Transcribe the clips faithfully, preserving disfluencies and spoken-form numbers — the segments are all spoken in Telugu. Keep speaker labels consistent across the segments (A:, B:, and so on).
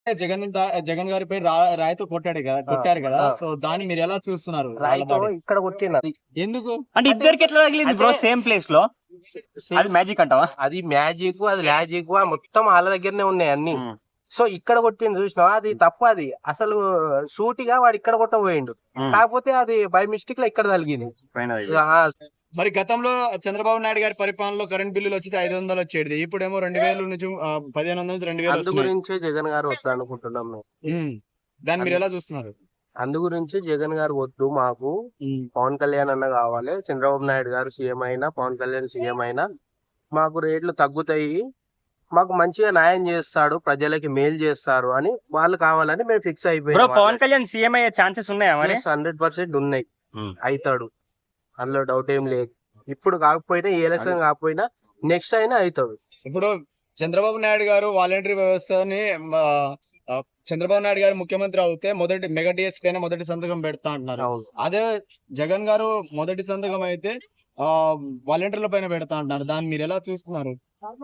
A: జగన్ దా- జగన్ గారిపై రా- రాయితో కొట్టాడు కదా
B: ఆ,
A: కొట్టారు కదా
B: ఆ.
A: సో దాన్ని మీరు ఎలా చూస్తున్నారు వాళ్ళ
B: రాయితో
A: దాడి?
B: ఇక్కడ కొట్టినది.
A: ఎందుకు?
C: అంటే ఇద్దరికి ఎట్లా తగిలింది బ్రో
B: అంటే-
C: సేమ్ ప్లేస్ లో? అది మ్యాజిక్ అంటావా?
B: అది మ్యాజిక్, అది లాజిక్ మొత్తం వాళ్ళ దగ్గరనే ఉన్నాయి అన్ని.
C: ఉమ్,
B: సో ఇక్కడ కొట్టింది చూసినావా, అది తప్పు. అది అసలు సూటిగా వాడు ఇక్కడ కొట్టబోయిండు,
C: ఉమ్.
B: కాకపోతే అది బై మిస్టేక్ లో ఇక్కడ తగిలింది.
C: పైన తగిలింది.
B: ఆ,
A: మరి గతంలో చంద్రబాబు నాయుడు గారి పరిపాలనలో కరెంట్ బిల్లులు వచ్చితే ఐదు వందలు వచ్చేది, ఇప్పుడేమో రెండు వేల నుంచి ఆ, పదిహేను వందల నుంచి రెండు వేలు
B: అందు
A: వస్తున్నాయి.
B: గురించే జగన్ గారు వద్దు అనుకుంటున్నాం మేము.
A: ఉమ్. దాన్ని మీరు ఎలా చూస్తున్నారు?
B: అందు గురించి జగన్ గారు వద్దు, మాకు పవన్ కళ్యాణ్ అన్న కావాలి. చంద్రబాబు నాయుడు గారు సీఎం అయినా, పవన్ కళ్యాణ్ సీఎం అయినా మాకు రేట్లు తగ్గుతాయి, మాకు మంచిగా న్యాయం చేస్తాడు, ప్రజలకి మేలు చేస్తారు అని వాళ్ళు కావాలని మేము ఫిక్స్
C: బ్రో
B: అయిపోయాం.
C: పవన్ కళ్యాణ్ సీఎం అయ్యే ఛాన్సెస్ ఉన్నాయా మరి?
B: హండ్రెడ్ పర్సెంట్ ఉన్నాయి,
C: ఉమ్.
B: అవుతాడు, అందులో డౌట్ ఏం లేదు. ఇప్పుడు కాకపోయినా ఈ ఎలక్షన్ కాకపోయినా నెక్స్ట్ అయినా అవుతాడు.
A: ఇప్పుడు చంద్రబాబు నాయుడు గారు వాలంటరీ వ్యవస్థని ఆ, ఆ, చంద్రబాబు నాయుడు గారు ముఖ్యమంత్రి అవుతే మొదటి మెగా డిఎస్ పైన మొదటి సంతకం పెడతా అంటున్నారు.
B: అవును.
A: అదే జగన్ గారు మొదటి సంతకం అయితే ఆ వాలంటీర్ల పైన పెడతా అంటున్నారు. దాన్ని మీరు ఎలా చూస్తున్నారు?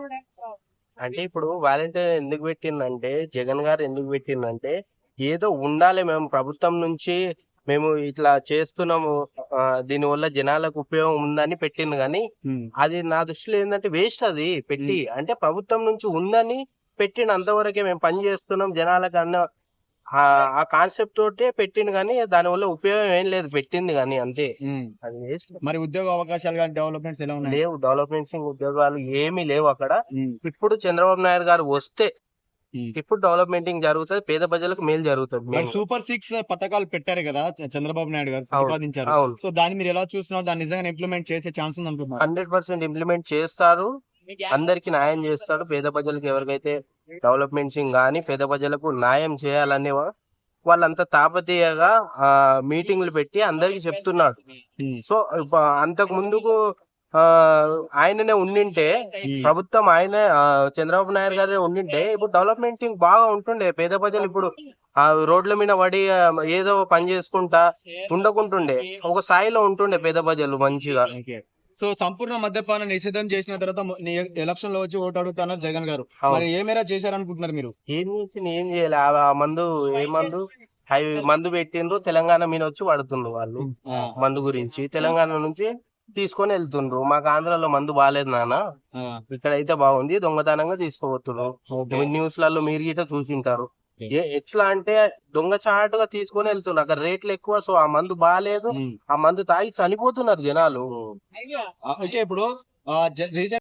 B: అంటే ఇప్పుడు వాలంటీర్ ఎందుకు పెట్టిందంటే, జగన్ గారు ఎందుకు పెట్టిందంటే, ఏదో ఉండాలి, మేము ప్రభుత్వం నుంచి మేము ఇట్లా చేస్తున్నాము, ఆ, దీనివల్ల జనాలకు ఉపయోగం ఉందని పెట్టింది. కానీ అది నా దృష్టిలో ఏంటంటే వేస్ట్ అది పెట్టి. అంటే ప్రభుత్వం నుంచి ఉందని పెట్టిన అంతవరకే, మేము పని చేస్తున్నాం జనాలకు అన్న ఆ- ఆ కాన్సెప్ట్ తోటే పెట్టింది. కానీ దానివల్ల ఉపయోగం ఏం లేదు పెట్టింది కానీ, అంతే.
A: ఉమ్.
B: అది వేస్ట్.
A: మరి ఉద్యోగ అవకాశాలు కానీ డెవలప్మెంట్స్ ఎలా ఉన్నాయి?
B: లేవు, డెవలప్మెంట్స్ ఉద్యోగాలు ఏమీ లేవు అక్కడ.
A: ఉమ్.
B: ఇప్పుడు చంద్రబాబు నాయుడు గారు వస్తే
A: ఉమ్.
B: ఇప్పుడు డెవలప్మెంటింగ్ జరుగుతుంది, పేద ప్రజలకు మేలు జరుగుతుంది.
A: మరి
B: మేము-
A: సూపర్ సిక్స్ పథకాలు పెట్టారు కదా చ- చంద్రబాబు నాయుడు గారు
B: అవును,
A: ప్రతిపాదించారు.
B: అవును,
A: సో దాన్ని మీరు ఎలా చూస్తున్నారు? దాన్ని నిజంగా ఇంప్లిమెంట్ చేసే ఛాన్స్ ఉంది అంటున్నారు?
B: హండ్రెడ్ పర్సెంట్ ఇంప్లిమెంట్ చేస్తారు, అందరికి న్యాయం చేస్తాడు. పేద ప్రజలకు ఎవరికైతే డెవలప్మెంట్స్ కానీ పేద ప్రజలకు న్యాయం చేయాలని వాళ్ళంతా తాపతీయగా ఆ మీటింగ్లు పెట్టి అందరికి చెప్తున్నాడు.
A: ఉమ్.
B: సో ఇప్ప- అంతకు ముందుకు ఆ ఆయననే ఉండింటే,
A: ఉమ్.
B: ప్రభుత్వం ఆయన ఆ, చంద్రబాబు నాయుడు గారే ఉండింటే ఇప్పుడు డెవలప్మెంట్ బాగా ఉంటుండే. పేద ప్రజలు ఇప్పుడు ఆ రోడ్ల మీద పడి ఆ, ఏదో పని చేసుకుంటా ఉండకుంటుండే, ఒక స్థాయిలో ఉంటుండే పేద ప్రజలు మంచిగా.
A: ఓకే. సో సంపూర్ణ మద్యపాన నిషేధం చేసిన తర్వాత మొ- నీ ఎలక్షన్ లో వచ్చి ఓటు అడుగుతున్నారు జగన్ గారు.
B: అవును.
A: మరి ఏ మేర చేశారనుకుంటున్నారు మీరు?
B: ఏం చేసి ఏం చేయాలి, ఆ ఆ మందు ఏ మందు అవి మందు పెట్టిండ్రు, తెలంగాణ మీద వచ్చి పడుతుండ్రు వాళ్ళు.
A: ఆ,
B: మందు గురించి తెలంగాణ నుంచి తీసుకొని వెళ్తుండ్రు. మాకు ఆంధ్రాలో మందు బాగాలేదు నాన్న,
A: ఆ,
B: ఇక్కడైతే బాగుంది, దొంగతనంగా తీసుకోబోతున్నారు.
A: ఓకే.
B: న్యూస్ లలో మీరు గిట్ట చూసింటారు. ఏ ఎట్లా అంటే దొంగచాటుగా తీసుకొని వెళ్తున్నారు, అక్కడ రేట్లు ఎక్కువ. సో ఆ మందు బాగాలేదు,
A: ఉమ్.
B: ఆ మందు తాగి చనిపోతున్నారు జనాలు.
A: ఆ, ఓకే. ఇప్పుడు రీసెంట్